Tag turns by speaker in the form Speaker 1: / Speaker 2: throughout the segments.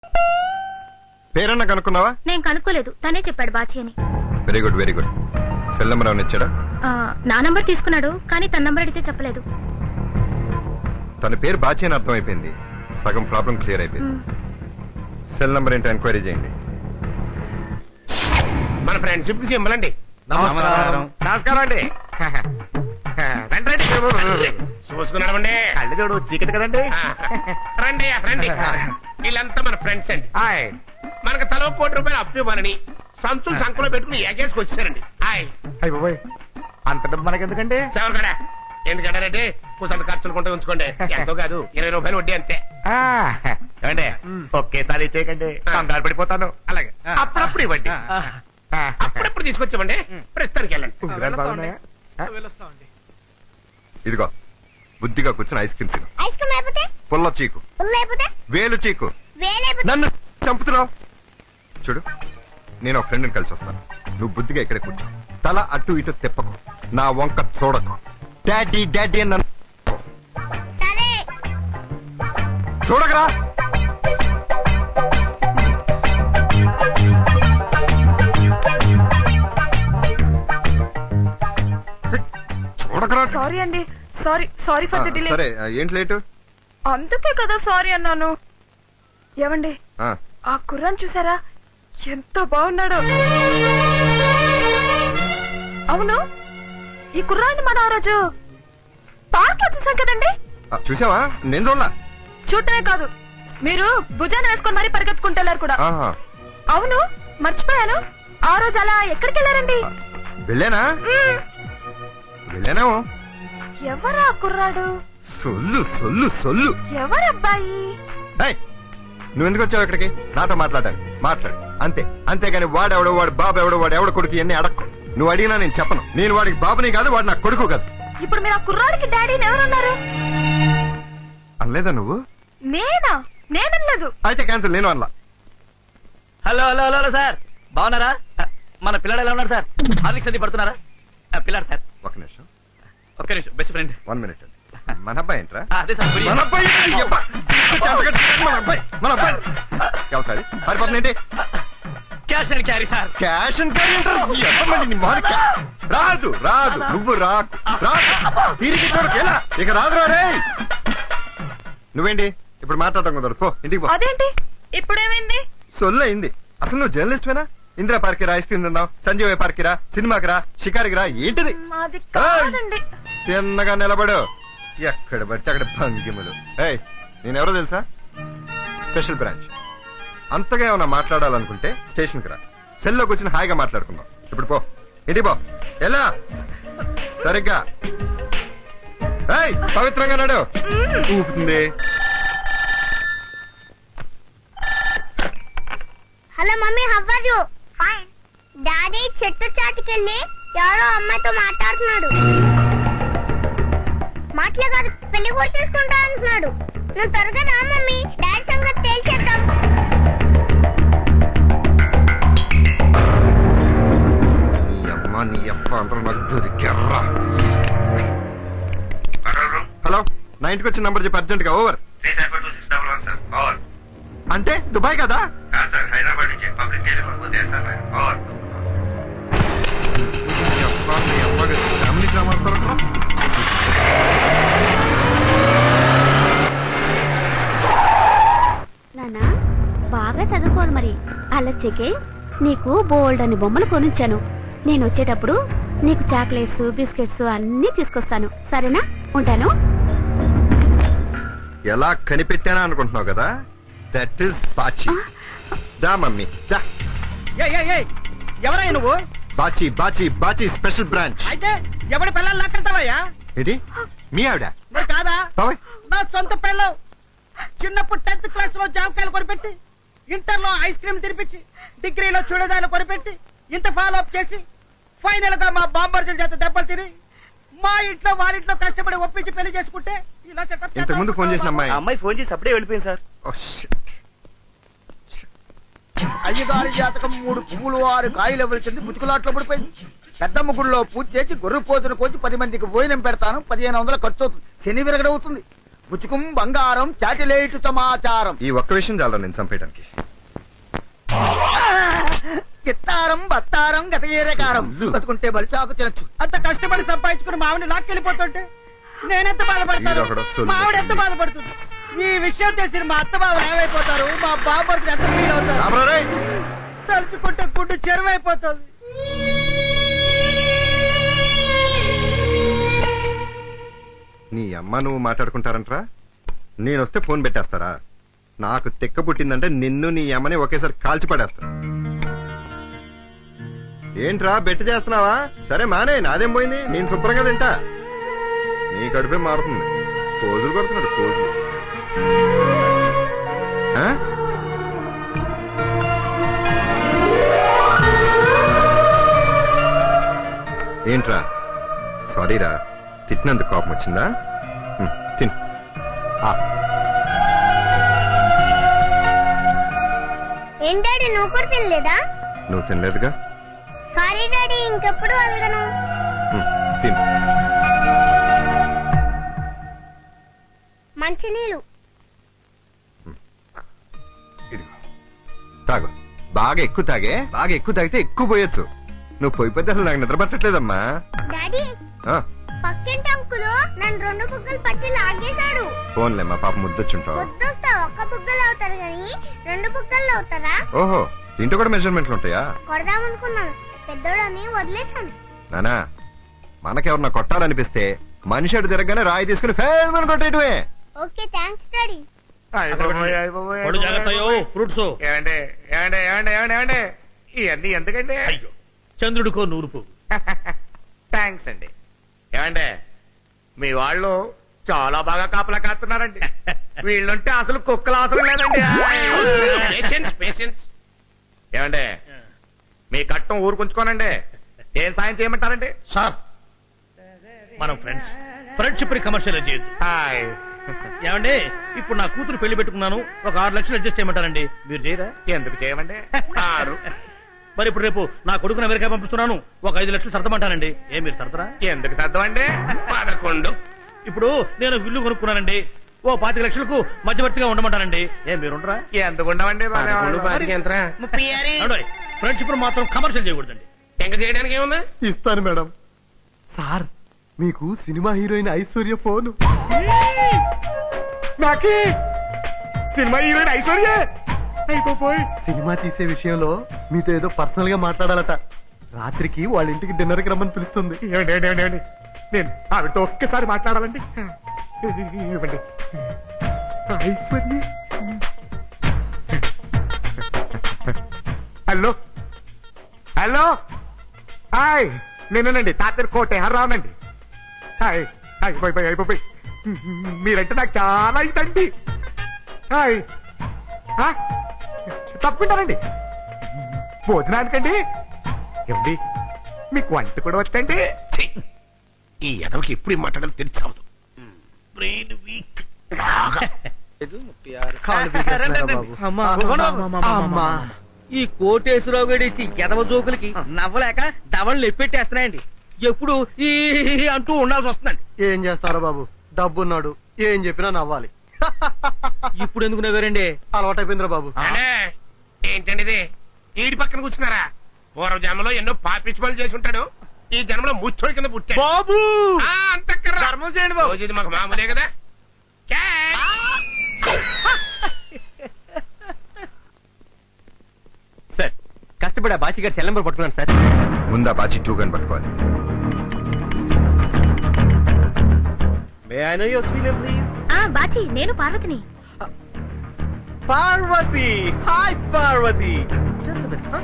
Speaker 1: పేరన్నా కనుక్కున్నావా?
Speaker 2: నేను కనుక్కోలేదు, తనే చెప్పాడు బాచి అని.
Speaker 1: Very good very good. Cell number ఏమైనా ఇచ్చాడా?
Speaker 2: నా నంబర్ తీసుకున్నాడు, కానీ తన నంబర్ అడిగితే చెప్పలేదు.
Speaker 1: తన పేరు బాచి అని అర్థం అయిపోయింది, సగం ప్రాబ్లం క్లియర్ అయిపోయింది. సెల్ నెంబర్ ఏంటో ఎంక్వైరీ చేయండి.
Speaker 3: మన ఫ్రెండ్షిప్ కి సింబలండి.
Speaker 4: నమస్కారం.
Speaker 3: నమస్కారం అండి. రండి రండి, చూసుకున్నామండి.
Speaker 4: కళ్ళు చూడు, చీకటి కదండి.
Speaker 3: రండి రండి, వీళ్ళంతా మన ఫ్రెండ్స్ అండి. మనకు తలో ₹1 అప్పు ఇవ్వాలని సంచులు సంఖ్యలో పెట్టుకుని ఏకేసుకు వచ్చారండి.
Speaker 4: అయ్య బాబోయ్, అంత డబ్బు మనకెందుకండి?
Speaker 3: చెవరు కదా, ఎందుకంటారంటే కూసంత ఖర్చులు కొంటే ఉంచుకోండి, ఎంతో కాదు ₹20 వడ్డీ అంతే.
Speaker 4: ఏమండి, ఒకేసారి ఇచ్చేయకండి, కంగారు పడిపోతాను.
Speaker 3: అలాగే అప్పుడప్పుడు ఇవ్వండి, అప్పుడప్పుడు తీసుకొచ్చామండి. ప్రస్తుతానికి వెళ్ళండి.
Speaker 4: ఉంగరాలు బాగున్నాయా?
Speaker 1: ఇదిగో బుద్ధిగా కూర్చుని ఐస్ క్రీమ్ తిను.
Speaker 2: ఐస్ క్రీమ్ అయిపోతే
Speaker 1: పుల్ల చీకు, వేలు చీకు, నన్ను చంపుతున్నావు. చూడు, నేను ఒక ఫ్రెండ్ని కలిసి వస్తాను. నువ్వు బుద్ధిగా ఇక్కడే కూర్చో, తల అటు ఇటు తిప్పకు, నా వంక చూడకు. డాడీ డాడీ అని నన్ను చూడకరా. చూడకరా.
Speaker 5: సారీ అండి, సారీ ఫర్ ది డిలే.
Speaker 1: సరే, ఏంటి లేటు?
Speaker 5: అందుకే కదా సారీ అన్నాను. ఏమండి, ఆ కుర్రాన్ని చూసారా, ఎంత బాగున్నాడు. అవును, ఈ కుర్రాన్ని మనం ఆ రోజు పార్క్ లో చూసాం కదండి.
Speaker 1: చూసావా? నేను చూడలా.
Speaker 5: చూడటమే కాదు, మీరు భుజాన్ని వేసుకొని మరీ పరిగెత్తుకుంటూ కూడా. అవును, మర్చిపోయాను, ఆ రోజు అలా ఎక్కడికి వెళ్ళారండి?
Speaker 1: వెళ్ళానా? వెళ్ళానేమో.
Speaker 5: ఎవరా కుర్రాడు?
Speaker 1: సొల్లు సొల్లు సొల్లు.
Speaker 5: ఎవరబ్బాయి?
Speaker 1: నువ్వు ఎందుకు వచ్చావు ఇక్కడికి? నాతో మాట్లాడాలి, మాట్లాడు అంతే. అంతేగాని వాడెవడో, వాడు బాబు ఎవడో, వాడు ఎవడ కొడుకు ఇవన్నీ అడక్కు. నువ్వు అడిగినా నేను చెప్పను. నేను వాడికి బాబుని కాదు, వాడు నా కొడుకు కాదు.
Speaker 5: ఇప్పుడు మీరు ఆ కుర్రాడికి డాడీని ఎవరన్నారు?
Speaker 1: అనలేదా నువ్వు?
Speaker 5: నేనలేదు.
Speaker 1: అయితే క్యాన్సిల్, నేను అనలా.
Speaker 6: Hello hello hello hello sir, బాగున్నారా? మన పిల్లాడు ఎలా ఉన్నారు సార్? హార్లిక్స్ అది పడుతున్నారా? పిల్లాడు సార్.
Speaker 1: ఒక నిమిషం,
Speaker 6: ఒక్క నిమిషం, బెస్ట్ ఫ్రెండ్.
Speaker 1: 1 minute. మన అబ్బాయి ఏంట్రా?
Speaker 6: అదే సార్.
Speaker 1: మన అబ్బాయి, మన అబ్బాయి, మన అబ్బాయి. ఎవరు పారిపోతుందేంటి?
Speaker 6: Cash and carry sir.
Speaker 1: Cash and carry అంటారు. ఎవరు నీ మొహం? రాదు రాదు, నువ్వు రాకు, రాదు. తిరిగి కొడుకు ఎలా ఇక రాదురా రే. నువ్వేంటి ఇప్పుడు మాట్లాడటం కుదరదు, పో ఇంటికి పో.
Speaker 5: అదేంటి ఇప్పుడేమైంది?
Speaker 1: సొల్లు అయింది. అసలు నువ్వు జర్నలిస్ట్వేనా? ఇందిరా పార్క్ రా, ఐస్ క్రీమ్ తిందాం, సంజీవ్ పార్క్ రా, సినిమాకి రా, షికారికి రా. ఏంటిది?
Speaker 5: మాది కాదండి.
Speaker 1: తిన్నగా నిలబడు, ఎక్కడ పడితే అక్కడ భంగిములు. ఏయ్, నేనెవరో తెలుసా? Special branch. అంతగా ఏమన్నా మాట్లాడాలనుకుంటే స్టేషన్కి రా, సెల్లోకి వచ్చిన హాయిగా మాట్లాడుకుందాం. ఇప్పుడు పో ఇంటికి పో. ఎలా సరిగ్గా పవిత్రంగా నాడు ఊపుతుంది.
Speaker 2: Hello mummy, how are you? Fine. Daddy చెట్టు చాటుకెళ్ళి ఎవరో అమ్మాయితో మాట్లాడుతున్నాడు. మాటలే కాదు, పెళ్లి కూడా చేసుకుంటా అంటున్నాడు. నువ్వు త్వరగా రా మమ్మీ, డాడీ సంగతి తేల్చేద్దాం.
Speaker 1: నీ అప్ప అందరూ నాకు దొరికారా. హలో, నా ఇంటికి వచ్చిన నంబర్ చెప్పి అర్జెంట్ గా. ఓవర్. అంటే దుబాయ్ కదా?
Speaker 2: నానా బాగా చదువుకోను మరి. అలా చెకే, నీకు బోల్డ్ అని బొమ్మలు కొనిచ్చాను. నేను వచ్చేటప్పుడు నీకు చాక్లెట్స్, బిస్కెట్స్ అన్ని తీసుకొస్తాను, సరేనా? ఉంటాను.
Speaker 1: ఎలా కనిపెట్టానా అనుకుంటున్నావు కదా? That is Bachi. దా మమ్మీ దా.
Speaker 6: ఎవరయ్యా నువ్వు?
Speaker 1: Bachi Bachi Bachi special branch.
Speaker 6: అయితే ఎవడి పిల్లలు లాక్కెళ్తావయ్యా?
Speaker 1: ఏంటి మీ ఆవిడ?
Speaker 6: మరి కాదా,
Speaker 1: బాబాయ్.
Speaker 6: నా సొంత పిల్లలు. చిన్నప్పుడు 10th క్లాస్ లో జామకాయలు కొనిపెట్టి, ఇంటర్ లో ఐస్ క్రీమ్ తినిపించి, డిగ్రీలో చూడదాలు కొనిపెట్టి, ఇంత ఫాలో అప్ చేసి, ఫైనల్ గా మా బాంబర్జుల చేత దెబ్బలు తిని, మా ఇంట్లో వారింట్లో కష్టపడి ఒప్పించి పెళ్లి చేసుకుంటే ఇలా సెటప్.
Speaker 1: ఇంతకు ముందు ఫోన్ చేసిన
Speaker 6: అమ్మాయి ఫోన్ చేసి అప్పుడే వెళ్ళిపోయింది సార్.
Speaker 4: అయ్యగారి జాతకం 3 పువ్వులు 6 కాయలు ఇవ్వాల్సింది ముచ్చుకులాట్లో పడిపోయింది. పెద్దమ్మ గుడిలో పూజ చేసి గొర్రె పోతును కోచి 10 మందికి భోజనం పెడతాను, 1500 ఖర్చు అవుతుంది. శని విరగడవుతుంది. పుచ్చుకుం బంగారం చాటిలేటు సమాచారం.
Speaker 1: ఈ ఒక్క విషయం చాలా నేను చంపేయడానికి.
Speaker 4: చిత్తారం బత్తారం గత ఏరకారం బతుకుంటే బలిచాకు తినచ్చు.
Speaker 6: అంత కష్టపడి సంపాదించుకుని మావిని లాక్కెళ్ళిపోతుంటే నేనెంత బాధపడతాను,
Speaker 1: ఈడొకడు సొల్లు
Speaker 6: మావిడ ఎంత బాధపడుతుంది. ఈ విషయం తెలిసి మా అత్త బాబు ఏమైపోతారు, మా బాబు ఎంత ఫీల్ అవుతారు.
Speaker 1: రాబరా రేయ్.
Speaker 6: తలుచుకుంటే గుడ్డు చెరువైపోతుంది.
Speaker 1: నీ అమ్మ నువ్వు మాట్లాడుకుంటారంటరా? నేను వస్తే ఫోన్ పెట్టేస్తారా? నాకు తిక్క పుట్టిందంటే నిన్ను నీ అమ్మని ఒకేసారి కాల్చి పడేస్తా. ఏంట్రా బెట్టు చేస్తున్నావా? సరే మానే, నాదేం పోయింది, నేను శుభ్రంగా తింటా. నీ కడుపే మారుతుంది. పోజులు కొడుతున్నాడు, పోజులు. ఆ? ఏంట్రా? సారీరా, తిట్టినందుకు కోపం వచ్చిందా? తిను.
Speaker 7: ఏం డాడీ నువ్వు కూడా తినలేదా?
Speaker 1: నువ్వు తినలేదుగా.
Speaker 7: సారీ డాడీ, ఇంకెప్పుడు అలగను.
Speaker 1: తిను.
Speaker 7: మంచినీళ్ళు.
Speaker 1: ఇదిగో తాగు. బాగా ఎక్కువ తాగే. బాగా ఎక్కువ తాగితే ఎక్కువ పోయొచ్చు. నువ్వు పోయిపోతే అసలు నాకు నిద్ర పట్టట్లేదమ్మా.
Speaker 7: డాడీ,
Speaker 1: ఆ,
Speaker 7: పక్కింటి అంకులు నన్ను 2 బుగ్గలు పట్టి లాగేశాడు.
Speaker 1: ఫోన్లేమ్మా, పాప ముద్దొచ్చుంటావు.
Speaker 7: వద్దుస్తా, ఒక్క బుగ్గలు అవుతారు కానీ 2 బుగ్గలు అవుతారా?
Speaker 1: ఓహో, దీంట్లో కూడా మెజర్మెంట్లు ఉంటాయా?
Speaker 7: కొడదామనుకున్నాను, పెద్దోడని వదిలేశాను.
Speaker 1: నానా, మనకెవరన్నా కొట్టాలనిపిస్తే మనిషి అటు తిరగగానే రాయి తీసుకుని ఫేల్ అని కొట్టేయటమే.
Speaker 7: Okay thanks daddy.
Speaker 3: ఫ్రూట్స్ ఏమండి ఏమండి ఏమండి ఏమండి ఏమండి ఇవన్నీ ఎందుకండి? అయ్యో, చంద్రుడికో నూరుపు. థ్యాంక్స్ అండి. ఏమండి, మీ వాళ్ళు చాలా బాగా కాపలా కాస్తున్నారండి. వీళ్ళుంటే అసలు కుక్కలు అవసరం లేదండి. ఏమండి, మీ కట్టం ఊరుకుంచుకోనండి. ఏం సాయం చేయమంటారండి?
Speaker 8: సార్, మనం ఫ్రెండ్స్, ఫ్రెండ్షిప్ కమర్షియల్ చేయొద్దు.
Speaker 3: హాయ్.
Speaker 8: ఏమండి, ఇప్పుడు నా కూతురు పెళ్లి పెట్టుకున్నాను, ఒక 6 లక్షలు అడ్జస్ట్ చేయమంటారండి. మీరు చేయరా?
Speaker 3: ఎందుకు చేయమండి? 6.
Speaker 8: మరి ఇప్పుడు రేపు నా కొడుకుని అమెరికా పంపిస్తున్నాను, ఒక 5 లక్షలు సర్దమంటానండి. మీరు సర్దరా?
Speaker 3: ఎందుకు సర్దమండి? 11.
Speaker 8: ఇప్పుడు నేను ఇల్లు కొనుక్కున్నానండి, ఓ 25 లక్షలకు మధ్యవర్తిగా ఉండమంటానండి. మీరుండరా?
Speaker 3: ఎందుకు ఉండమండి?
Speaker 8: ఫ్రెండ్షిప్ మాత్రం కమర్షియల్ చేయకూడదండి.
Speaker 3: ఇంకా చేయడానికి ఏముంది?
Speaker 9: ఇస్తాను మేడం. సార్, మీకు సినిమా హీరోయిన్ ఐశ్వర్య ఫోన్.
Speaker 3: నాకి సినిమా హీరోయిన్ ఐశ్వర్య అయిపోయి
Speaker 9: సినిమా తీసే విషయంలో మీతో ఏదో పర్సనల్ గా మాట్లాడాలట. రాత్రికి వాళ్ళ ఇంటికి డిన్నర్ కి రమ్మని పిలుస్తుంది.
Speaker 3: ఏమండి, నేను ఆవిడతో ఒక్కసారి మాట్లాడాలండి. ఇవ్వండి. ఐశ్వర్య. హలో హలో, హాయ్, నేనేనండి తాతర్ కోటే హర్రావునండి. హాయ్, అయిపోయి మీరంటే నాకు చాలా ఇదండి. హాయ్, తప్పుకుంటారండి భోజనానికండి. ఏమండి, మీకు వంట కూడా వచ్చండి? ఈ ఎదవకి ఎప్పుడు మాట్లాడాలి తెలిసావదు. Brain week.
Speaker 6: ఈ కోటేశ్వరరావు గడేసి ఎదవ జోకులకి నవ్వలేక దవళ్ళు ఎప్పెట్టేస్తున్నాయండి. ఎప్పుడు ఈ అంటూ ఉండాల్సి వస్తుందండి.
Speaker 9: ఏం చేస్తారో బాబు, డబ్బున్నాడు, ఏం చెప్పినా నవ్వాలి.
Speaker 6: ఇప్పుడు ఎందుకు నవ్వారండి?
Speaker 9: అలవాటైపోయిందిరా బాబు.
Speaker 3: ఏంటండి ఇది? ఈడి పక్కన కూర్చున్నారా? పూర్వ జన్మలో ఎన్నో పాపిచ్చి పనులు చేసి ఉంటాడు, ఈ జన్మలో ముచ్చోడి కింద పుట్టాడు.
Speaker 6: బాబు
Speaker 3: ధర్మం చేయండి బాబు, ఇది మాకు మామూలే కదా.
Speaker 6: సార్, కష్టపడి ఆ బాచి గారి సెల్ నెంబర్ పట్టుకున్నాను సార్.
Speaker 1: ముందా బాచి 2 గన్ పట్టుకోవాలి.
Speaker 6: May I know your sweet name, please?
Speaker 2: Bachi, నేను పార్వతిని.
Speaker 6: Parvathi. Hi Parvathi. Just a minute, huh?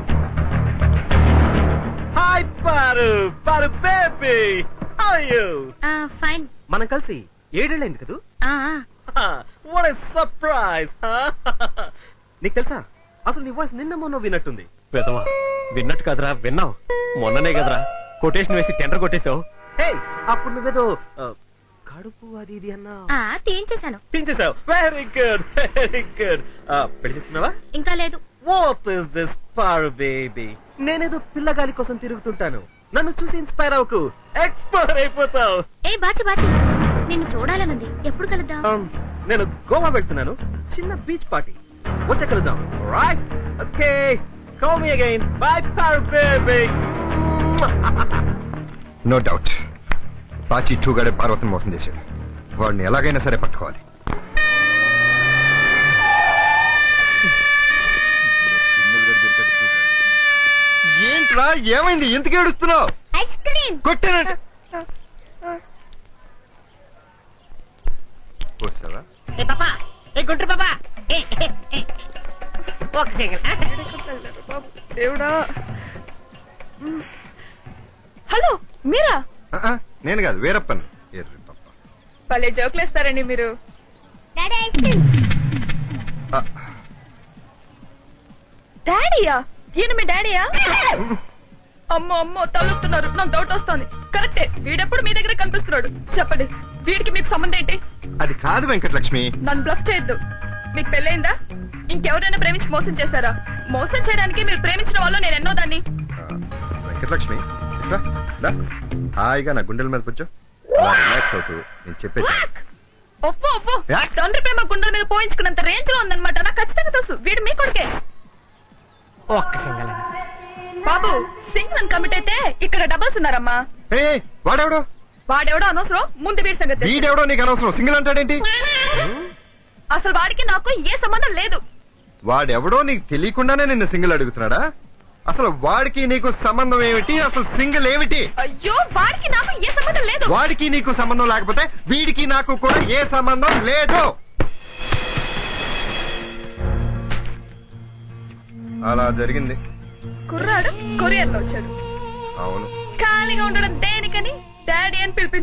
Speaker 6: Hi Paru. Paru baby. How are you?
Speaker 2: Fine.
Speaker 6: మనం కలిసి 7 ఏళ్ళైంది కదూ? What a surprise, huh? నీకు తెలుసా, అసలు నీ వాయిస్ నిన్న మొన్న విన్నట్టుంది. పెదవా, విన్నట్టు కదరా, విన్నావు. మొన్ననే కదరా కొటేషన్ వేసి టెండర్ కొట్టేశావు. అప్పుడు నువ్వేదో కడుపు అది ఇది అన్నా
Speaker 2: తీయించేశాను.
Speaker 6: తీయించేశావు. Very good, very good. పెళ్లి చేస్తున్నావా?
Speaker 2: ఇంకా లేదు.
Speaker 6: What is this Paru baby? నేనేదో పిల్లగాలి కోసం తిరుగుతుంటాను, నన్ను చూసి ఇన్స్పైర్ అవ్వకు, ఎక్స్పైర్ అయిపోతావు.
Speaker 2: బాచి నిన్ను చూడాలనుంది. ఎప్పుడు కలుద్దాం?
Speaker 8: నేను గోవా వెళ్తున్నాను, చిన్న బీచ్ పార్టీ, వచ్చే కలుద్దాం. Right, okay, call me again. Bye baby.
Speaker 1: No doubt Bachi టూగాడే పార్వతిని మోసం చేశాడు. వాడిని ఎలాగైనా సరే పట్టుకోవాలి. ఏంట్రా ఏమైంది? ఎందుకు ఏడుస్తున్నావు?
Speaker 7: ఐస్ క్రీమ్
Speaker 1: కొట్టానంటే వస్తావా?
Speaker 6: ఏ పాపా, ఏ గుండ్రు పాపా, ఒక సెకండ్.
Speaker 5: దేవుడా. హలో, మీరా?
Speaker 1: నేను కాదు, వీరప్పన్. ఎర్రి పప్ప.
Speaker 5: భలే జోకులేస్తారండి మీరు.
Speaker 7: Daddy ice cream.
Speaker 5: డాడీయా? ఈయన మీ డాడీయా? అమ్మో అమ్మో, తలుపుతున్నారు. నాకు డౌట్ వస్తుంది. కరెక్టే, వీడెప్పుడు మీ దగ్గర కనిపిస్తున్నాడు. చెప్పండి, వీడికి మీకు సంబంధం ఏంటి?
Speaker 1: అది కాదు వెంకటలక్ష్మి.
Speaker 5: నన్ను బ్లఫ్ చేయొద్దు. మీకు పెళ్ళైందా? ఇంకెవరైనా ప్రేమించి మోసం చేశారా? మోసం చేయడానికి మీరు ప్రేమించిన వాళ్ళు నేను ఎన్నో దాన్ని.
Speaker 1: వెంకటలక్ష్మి ఇట్లా రా. హాయిగా నా గుండెల మీద కూర్చో. రిలాక్స్ అవుతూ నేను చెప్పేది.
Speaker 5: ఒప్పు ఒప్పు.
Speaker 1: యా?
Speaker 5: తండ్రి ప్రేమ గుండెల మీద పోయించుకున్నంత రేంజ్ లో ఉందన్నమాట. నాకు ఖచ్చితంగా తెలుసు వీడు మీ కొడుకే.
Speaker 6: ఒక్క సింగల్.
Speaker 5: బాబు, సింగ్ నన్ను కమిట్ అయితే ఇక్కడ డబల్స్ ఉన్నారమ్మా.
Speaker 1: ఏ వాడెవడో?
Speaker 5: వాడెవడో అనవసరం, ముందు వీడి సంగతి తెలుసు.
Speaker 1: వీడెవడో నీకు అనవసరం. సింగిల్ అంటాడేంటి?
Speaker 5: అసలు వాడికి నాకు ఏ సంబంధం లేదు.
Speaker 1: వాడెవడో నీకు తెలియకుండానే నిన్ను సింగిల్ అడుగుతున్నాడా? అసలు వాడికి నీకు సంబంధం ఏమిటి? అసలు సింగిల్ ఏమిటి?
Speaker 5: అయ్యో, వాడికి నాకు ఏ సంబంధం లేదు.
Speaker 1: వాడికి నీకు సంబంధం లేకపోతే వీడికి నాకు కూడా ఏ సంబంధం లేదు. అలా జరిగింది.
Speaker 5: కుర్రాడు కొరియర్ లో వచ్చాడు.
Speaker 1: అవును.
Speaker 5: ఖాళీగా ఉండడం దేనికని డాడీ అని పిలిపించాడు.